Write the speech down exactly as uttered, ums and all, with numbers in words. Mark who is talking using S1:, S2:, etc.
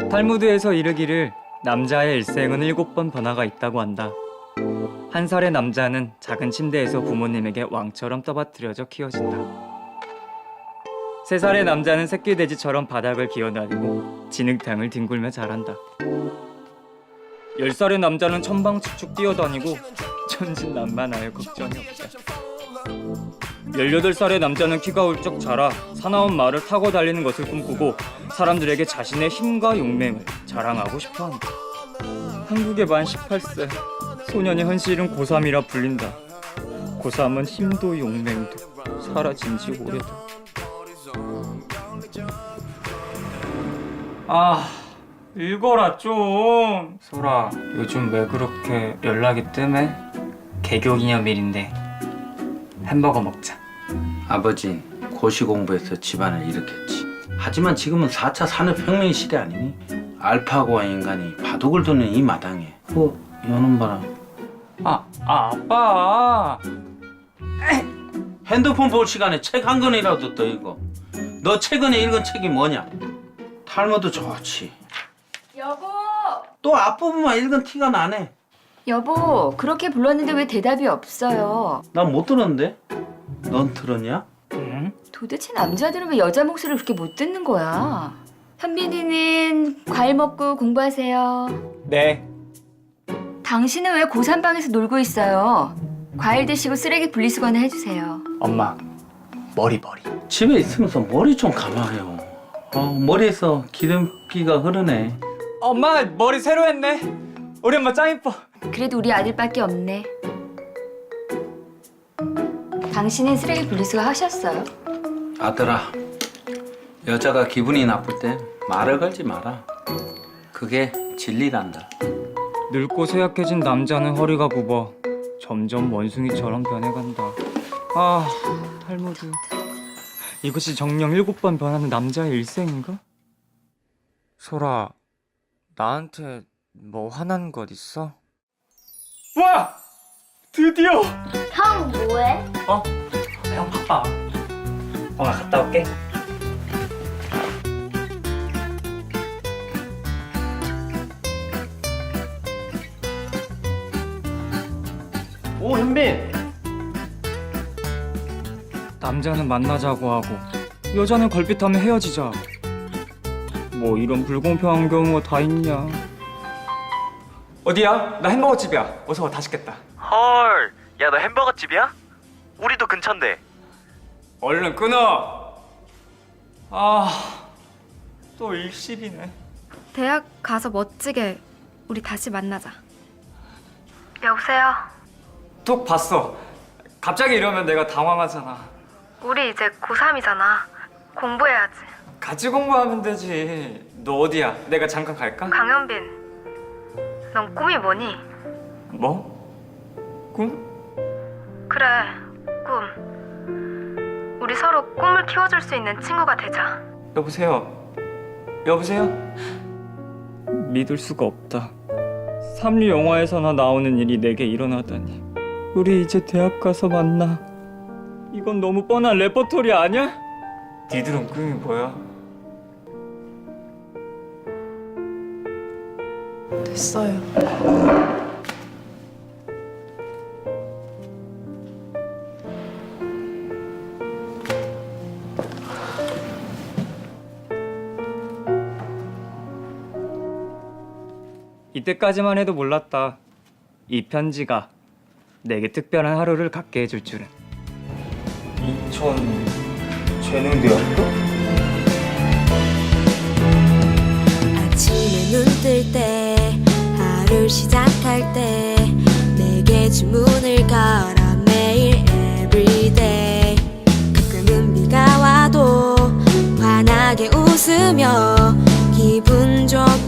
S1: 탈무드에서 이르기를 남자의 일생은 일곱 번 변화가 있다고 한다. 한 살의 남자는 작은 침대에서 부모님에게 왕처럼 떠받들여져 키워진다. 세 살의 남자는 새끼 돼지처럼 바닥을 기어다니고 진흙탕을 뒹굴며 자란다. 열 살의 남자는 천방지축 뛰어다니고 천진난만하여 걱정이 없다. 열여덟 살의 남자는 키가 훌쩍 자라 사나운 말을 타고 달리는 것을 꿈꾸고 사람들에게 자신의 힘과 용맹을 자랑하고 싶어한다. 한국의 만 열여덟 세 소년의 현실은 고삼이라 불린다. 고삼은 힘도 용맹도 사라진 지 오래다. 아, 읽어라 좀. 소라, 요즘 왜 그렇게 연락이 뜸해? 개교 기념일인데 햄버거 먹자.
S2: 아버지 고시 공부해서 집안을 일으켰지. 하지만 지금은 사 차 산업혁명 시대 아니니? 알파고와 인간이 바둑을 두는 이 마당에 어? 여는 봐라.
S1: 아, 아 아빠.
S2: 핸드폰 볼 시간에 책 한 권이라도 더 읽어. 너 최근에 읽은 책이 뭐냐? 탈무드 좋지.
S3: 여보!
S2: 또 앞부분만 읽은 티가 나네.
S3: 여보, 그렇게 불렀는데 왜 대답이 없어요?
S2: 난 못 들었는데? 넌 들었냐?
S1: 응?
S3: 도대체 남자들은 왜 여자 목소리를 그렇게 못 듣는 거야? 현빈이는 과일 먹고 공부하세요.
S1: 네.
S3: 당신은 왜 고삼방에서 놀고 있어요? 과일 드시고 쓰레기 분리수거는 해주세요.
S1: 엄마, 머리 머리.
S2: 집에 있으면서 머리 좀 감아요. 어, 머리에서 기름기가 흐르네.
S1: 엄마 머리 새로 했네. 우리 엄마 짱 이뻐.
S3: 그래도 우리 아들밖에 없네. 당신은 쓰레기 분리수거 하셨어요?
S2: 아들아, 여자가 기분이 나쁠 때 말을 걸지 마라. 그게 진리란다.
S1: 늙고 쇠약해진 남자는 허리가 굽어 점점 원숭이처럼 변해간다. 아, 탈무드. 이것이 정령 일곱 번 변하는 남자의 일생인가? 소라, 나한테 뭐 화난 것 있어? 와! 드디어!
S4: 형 뭐해?
S1: 어? 형 바빠. 어, 나 갔다 올게.
S5: 오, 현빈!
S1: 남자는 만나자고 하고 여자는 걸핏하면 헤어지자. 뭐 이런 불공평한 경우가 다 있냐. 어디야? 나 햄버거 집이야. 어서 와, 다 시켰다.
S5: 헐, 야, 너 햄버거 집이야? 우리도 근처인데.
S1: 얼른 끊어. 아, 또 일십이네.
S6: 대학 가서 멋지게 우리 다시 만나자. 여보세요?
S1: 톡 봤어. 갑자기 이러면 내가 당황하잖아.
S6: 우리 이제 고삼이잖아. 공부해야지.
S1: 같이 공부하면 되지. 너 어디야? 내가 잠깐 갈까?
S6: 강현빈, 넌 꿈이 뭐니?
S1: 뭐? 꿈?
S6: 그래, 꿈. 우리 서로 꿈을 키워줄 수 있는 친구가 되자.
S1: 여보세요? 여보세요? 믿을 수가 없다. 삼류 영화에서나 나오는 일이 내게 일어나다니. 우리 이제 대학 가서 만나. 이건 너무 뻔한 레퍼토리 아니야? 니들은 꿈이 뭐야?
S6: 됐어요.
S1: 이때까지만 해도 몰랐다. 이 편지가 내게 특별한 하루를 갖게 해줄 줄은. 인천 재능대학교?
S7: 아침에 눈 뜰 때 하루 시작할 때 내게 주문을 걸어 매일 everyday. 가끔은 비가 와도 환하게 웃으며 기분 좋게